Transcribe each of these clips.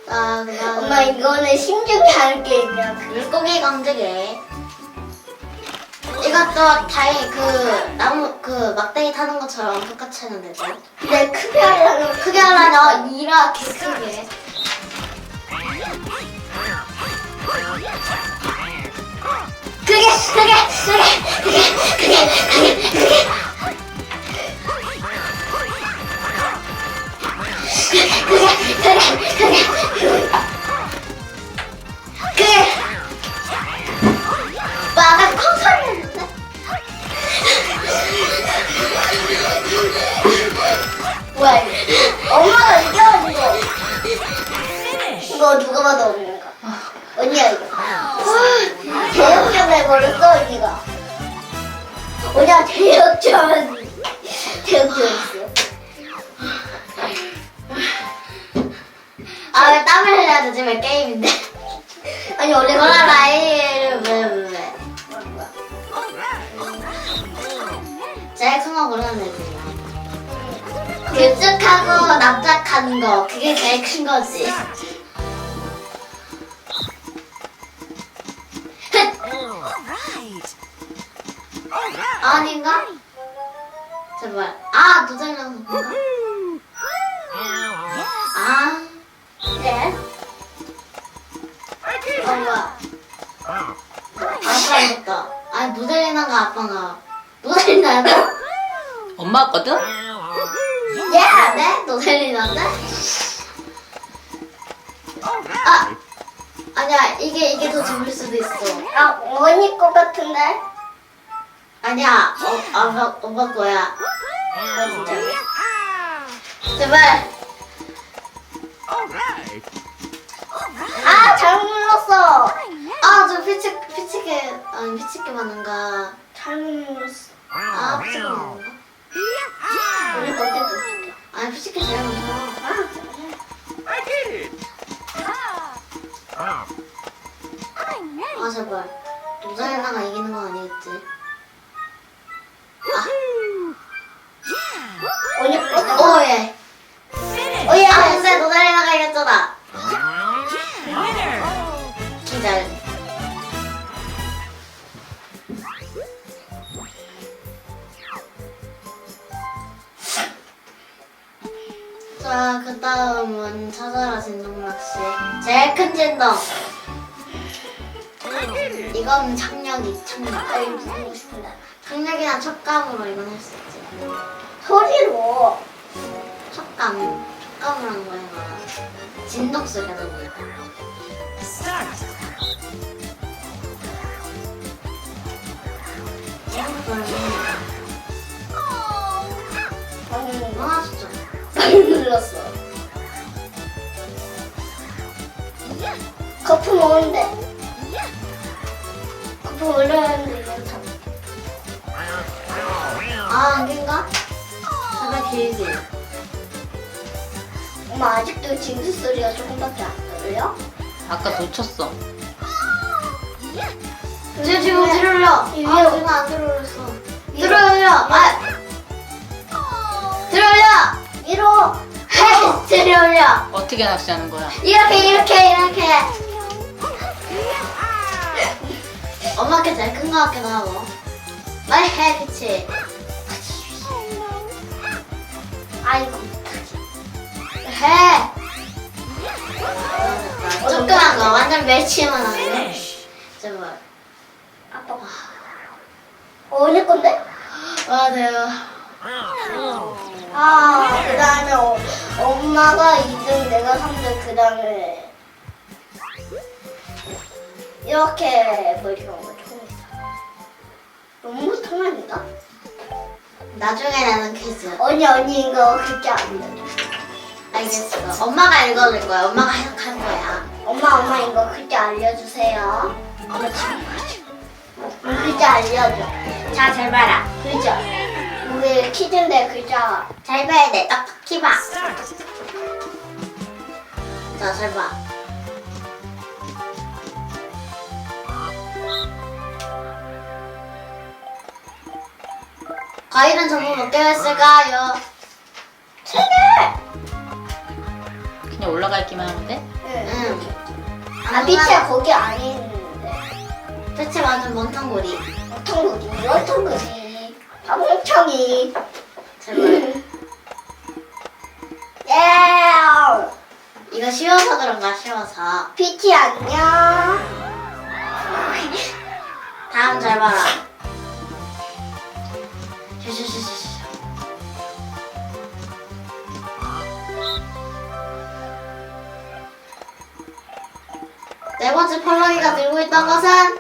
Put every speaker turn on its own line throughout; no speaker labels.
엄마 이거는 심중히 하는 게임이야.
물고기 강제게. 이것도 다행히 그 나무 그 막대기 타는 것처럼 똑같이 하면 되죠.
근데 크게 하려면
크게 하려면 이렇게 크게.
아까 콩소리였는데? 뭐야 이거? 엄마가 이겨 이거 누가 봐도 없는 거. 언니야 이거. 대역전 해버렸어 언니가. 언니가 대역전 있어.
아 왜 땀을 흘려야 되지? 왜 게임인데?
아니 원래
뭐라 라이를 왜? 제일 큰 거 고르면 되지. 길쭉하고 납작한 거 그게 제일 큰 거지. 아닌가? 제발. 아 도장이랑 건가? 아
네.
뭐야? 아빠 이겼다. 아니 노델리나가 아빠가 노델리나야?
엄마거든?
야, 네? 노델리나인데? 아, 아니야 이게 더 재밌을 수도 있어.
아 언니 거 같은데?
아니야, 엄마 거야.
아 진짜.
제발.
아 잘못 눌렀어.
아, 저 피치게 맞는가?
잘못 눌렀어.
아, 피치게 맞는가?
우리 거 때도 웃겨.
아니, 피치게 제일 많아. 아, 제발. 노델리나가 이기는 건 아니겠지?
언니 거.
오예. 오예. 아, 근데 노델리나가 이겼잖아. 기절. 자, 그 다음은 찾아라 진동낚시. 제일 큰 진동. 이건 착력.
아이 보고 싶은데.
착력이나 촉감으로 이건 할 수 있지.
소리로.
촉감으로 하는 거야, 이거. 진동 소리가 나는 거야. 아, 진짜.
잘못 눌렀어. 거품 먹는데. 거품 올려놨는데 이거 다.
아, 안개인가? 제발 길지.
엄마 아직도 진수 소리가 조금밖에 안 들려?
아까 놓쳤어.
지금 들어올려. 아,
이리요.
지금 안 들어올렸어. 들어올려. 아, 들어올려.
위로.
헤이, 들어올려.
어떻게 낚시하는 거야?
이렇게. 엄마 게 제일 큰 거 같기도 하고. 빨리 해, 그치?
아이고.
해. 조그만 거, 완전 멸치만 하네. 제발.
아빠. 언니 건데?
와, 대박.
아, 그 다음에 엄마가 2등, 내가 3등, 그 다음에 이렇게 머리가 오면 처음이다. 너무 못하는다?
나중에 나는 퀴즈.
언니 이거 글자 안 돼.
알겠어. 엄마가 읽어줄 거야. 엄마가 해석할 거야.
엄마 이거 글자 알려주세요. 엄마 지금 글자 알려줘.
자, 잘 봐라.
글자. 우리 퀴즈인데 글자.
잘 봐야 돼. 딱딱히 봐. 자, 잘 봐. 과일은 전부 몇 개였을까요?
3개!
그냥 올라가 있기만 하면 돼?
응.
응.
아, 빛이 거기 안에 있는데.
대체 완전 멍텅구리.
어통구리. 멍청이.
제발.
예.
이거 쉬워서 그런가, 쉬워서.
빛이 안녕.
다음 잘 봐라. 슈슈슈슈슈. 네 번째 펄럭이가 들고 있던 것은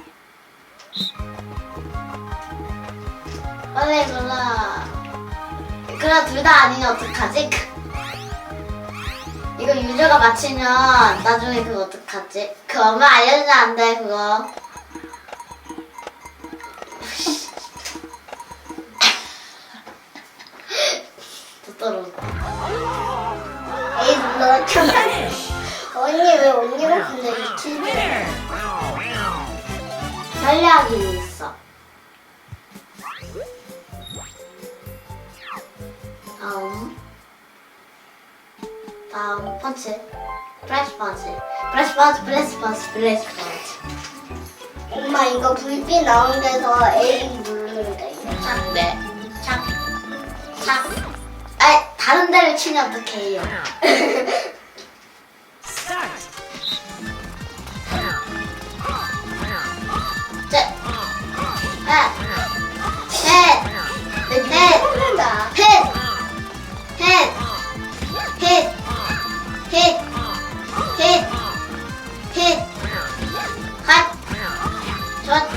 빨리 골라. 그래 둘 다 아니면 어떡하지? 이거 유저가 맞히면 나중에 그거 어떡하지? 그 엄마 알려주면 안 돼 그거. 또 떨어졌다.
에이, 너 참. 언니 왜 언니가 근데 유튜브?
전략이 있어. 다음 펀치. 플래시 펀치. 플래시 펀치, 플래시 펀치, 플래시 펀치.
엄마 이거 불빛 나온 데서 A 누르면 돼.
착,
네.
착, 착. 아이, 다른 데를 치면 어떡해요. 셋, 넷,
한다.
힛, 핫, 전.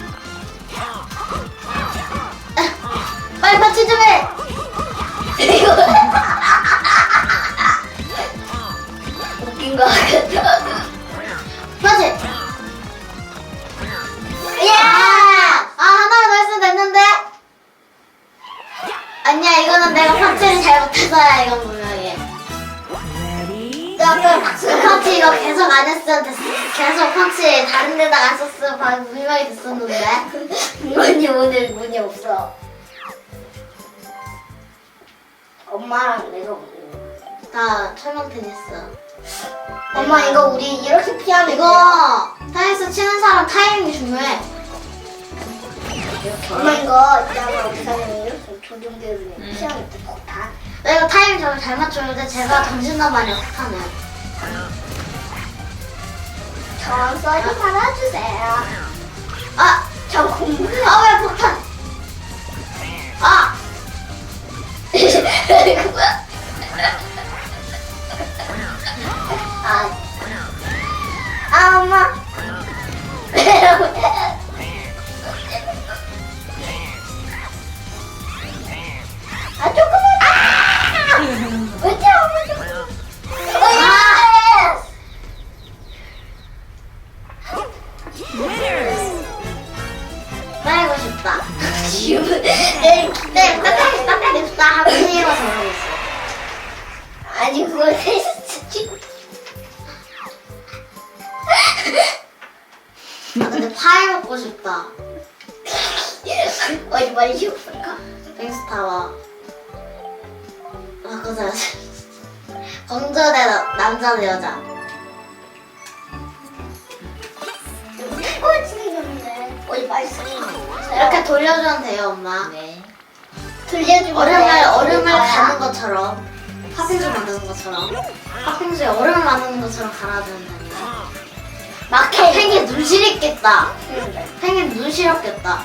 빨리 파치 좀 해.
이거 웃긴 거 같아.
파치. 예! 아, 하나 더 했으면 됐는데? 아니야, 이거는 내가 파치를 잘못해서야, 이건 분명히.
아까 박수.
펀치 이거 계속 안 했으면 됐어. 계속 펀치 다른 데다가 안 썼으면 방금 분명히 됐었는데.
문이 오늘 문이 없어. 엄마랑 내가 오늘.
다 철망 테니스.
엄마 이거 우리 이렇게 피하면
이거 테니스 치는 사람 타이밍이 중요해.
엄마 이거 있잖아 어떻게 하냐면 이렇게 조종대로 피하면 돼. 다.
내가 타이밍 정말 잘 맞추는데 제가 정신나만이 못하네.
천천히 살아주세요.
아!
저 공부해.
아, 왜 폭탄! 아!
엄마. 조금만. 어째
빼고 싶다.
지금
네, 빼고 싶다 하고 힘으로 정하겠어.
아니 그걸 테스트.
아, 근데 파이 먹고 싶다.
어디 많이 쉬었을까?
뱅스타워. 아, 그거 공주 대 남자 대 여자.
꽂히는데 어디 맛있어?
이렇게 돌려주면 돼요, 엄마.
네.
들려주면
얼음을 가는 것처럼. 팥빙수 만드는 것처럼. 팥빙수에 얼음을 만드는 것처럼 갈아주면 됩니다. 막 팽이 눈 시렸겠다. 팽이 눈 시렸겠다.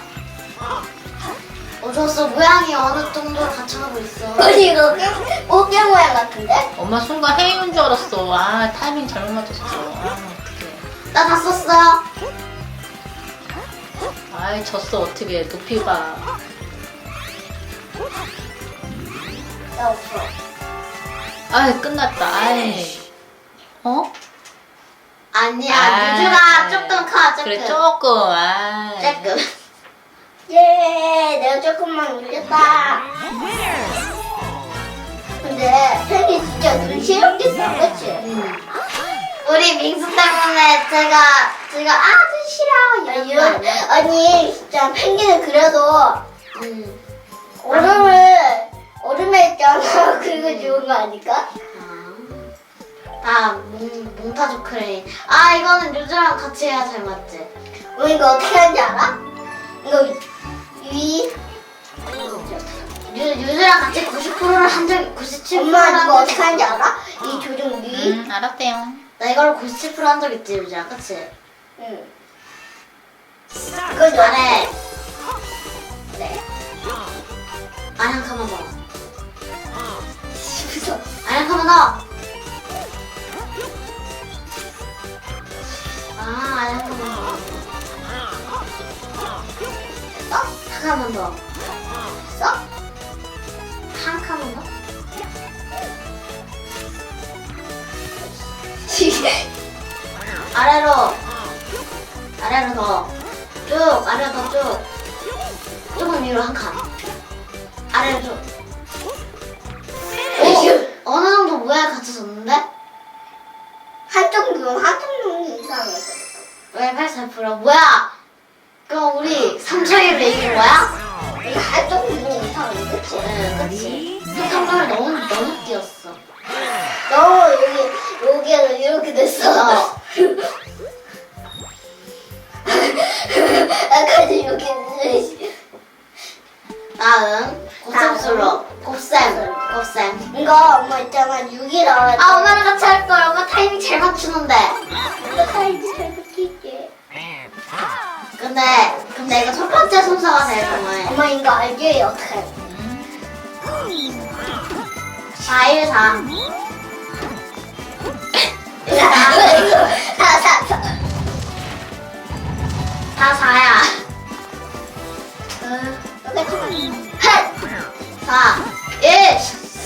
좋았어. 모양이 어느 정도로 갖춰가고 있어.
어디 이거 꽃게 모양 같은데?
엄마 순간 헤이인 줄 알았어. 아, 타이밍 잘못 맞췄어. 아, 어떡해.
나 다 썼어.
아이, 졌어. 어떻게. 높이가.
나 없어.
아이, 끝났다. 아이. 어?
아니야.
아.
유주가 조금 커. 조금.
그래, 조금. 아이.
조금.
예, 내가 조금만 올렸다. 근데 팽이 진짜 눈 시렵겠어, 그치?
우리 민수 때문에 제가 아주 싫어 이런 거 아니야?
아니 진짜 펭귄은 그래도
응.
얼음에 있잖아. 그거 좋은 거 아닐까?
아, 몽타주 크레인. 아, 이거는 유주랑 같이 해야 잘 맞지?
이거 어떻게 하는지 알아? 이거
유주랑 같이 90%를 한 적이 97%를
엄마
한
이거
적이
어떻게 하는지 알아? 이 조종
알았대요.
나 이걸 97%한 적 있지, 유주랑, 그치?
응. 이거
잘해.
네.
아니, 한 칸만 더.
무서워.
아니, 한 칸만 더. 아, 아니, 한 칸만 더.
됐어?
한 칸만 더.
됐어?
한 칸만 더? 아래로. 아래로 더. 쭉, 아래로 더 쭉. 조금 위로 한 칸. 아래로 쭉. 어느 정도 모양이 갖춰졌는데?
한쪽 눈이 이상해.
왜 84%? 뭐야? 그럼 우리 3차이로 이긴 거야?
이거 한쪽 눈이 이상해, 그치?
네, 그치. 성적을 너무 뛰었어.
너 여기에는 이렇게 됐어.
어.
아까 여기
다음, 고cep술로. 곱셈.
이거 엄마 있잖아 6이 나왔지.
아, 엄마랑 같이 할 걸. 엄마 타이밍 잘 맞추는데.
어떡하지? 잘 바뀔게.
근데 이거 첫 번째 순서가 될 거면
엄마 이거 알지? 어떡해?
4, 1, 4. 4, 4야. 4, 1.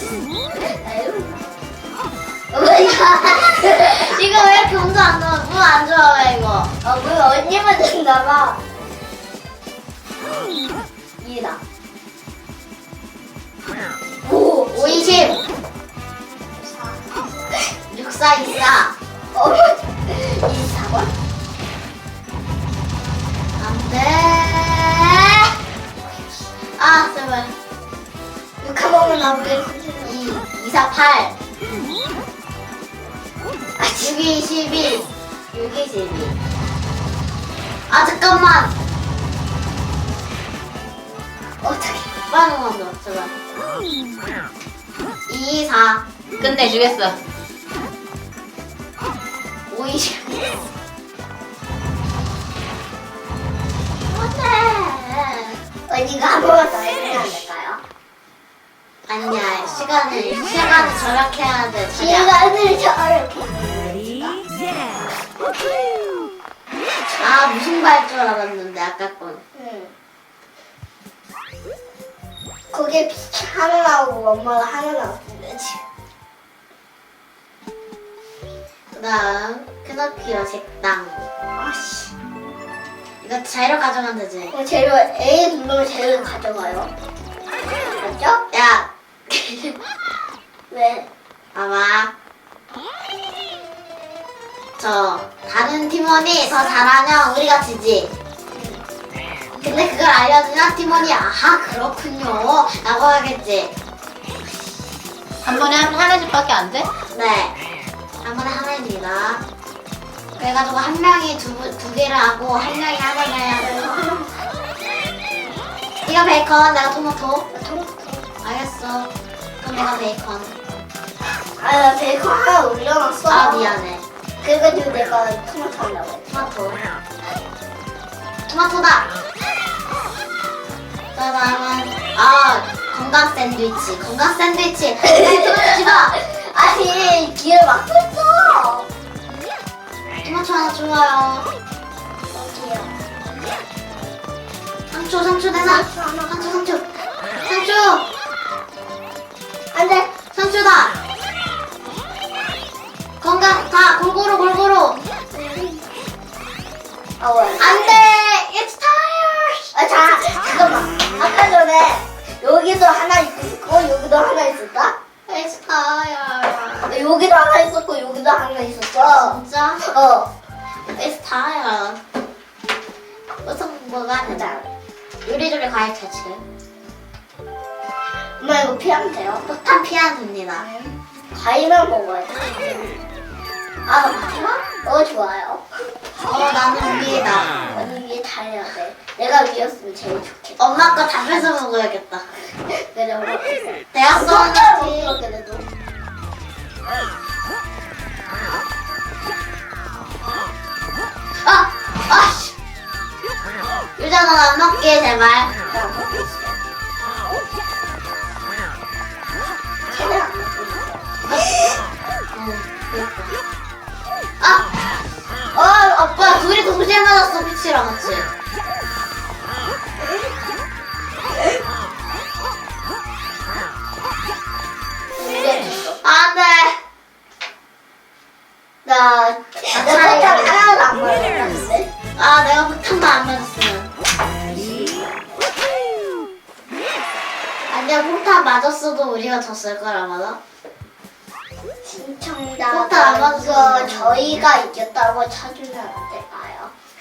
이거 왜 이렇게 운도 안 좋아? 운안 좋아, 왜 이거?
뭐 언니만 된다봐. 2다.
5, 20. 6, 4, 2, 4.
24번?
안 돼. 아, 제발.
6 한번만 나오게.
2, 4, 8. 6, 22. 6, 22. 아, 잠깐만.
어떡해.
빨리 만들어, 제발. 2, 4.
끝내주겠어.
5, 20.
언니가 한 번만 더 해주면 안 될까요?
아니야, 시간을 절약해야 돼. 자기야.
시간을 저렇게.
아, 무슨 말 줄 알았는데, 아까 건.
응. 거기에 하나 나오고 엄마가 하나 나왔으면 되지.
그 다음, 피노키오 색당.
아씨.
이거 자유로 가져가면 되지.
재료 A 누르면 재료 가져가요. 맞죠?
야,
왜?
봐봐. 다른 팀원이 더 잘하면 우리가 지지. 근데 그걸 알려주면 팀원이 아하, 그렇군요. 라고 하겠지.
한 번에 한 해집밖에 안 돼?
네. 한 번에 하나입니다. 그래가지고 한 명이 두 개를 하고 한 명이 하나를 해야 돼요. 네가 베이컨, 내가 토마토. 알겠어. 그럼 내가 베이컨.
아, 나 베이컨 하나 올려놨어.
아, 미안해.
그래가지고 내가 토마토 하려고 했지.
토마토다. 그 다음은 건강 샌드위치. 건강 샌드위치. 토마토 집어.
아니, 길을 막고 있어.
토마토 하나 좋아요.
여기요.
상추 내놔. 상추.
안 돼.
상추다. 건강 다 골고루.
아, 왜?
안 돼. It's tired.
아, 잠깐만. 아까 전에 여기도 하나 있었고, 여기도 하나 있었다?
It's tired.
여기도 하나 있었고, 여기도 하나 있었어.
진짜?
어.
It's tired. 무슨 뭐가 하자. 요리조리 과일 채취.
엄마 이거 피하면 돼요?
폭탄 피하면 됩니다.
과일만 먹어야 돼. 아, 마지막? 좋아요.
나는 위에다.
언니 위에 달려야 돼. 내가 위였으면 제일 좋겠다.
엄마 거 다 뺏어 먹어야겠다.
그래, 엄마.
대학
손가락 못
수학이지.
들어, 그래도.
아씨. 유자 넌안 먹게 제발.
나 먹고 있어. 쟤는 안 먹고 있어.
아빠 둘이 동시에 맞았어 피치랑 같이. 안돼.
나 포탄 하나도 안 맞았는데.
내가 폭탄도 안 맞았으면. 아니야 폭탄 맞았어도 우리가 졌을 거라 맞아?
신청자
포탄 안 맞았어.
이거 저희가 이겼다고 쳐주면 안 될까요?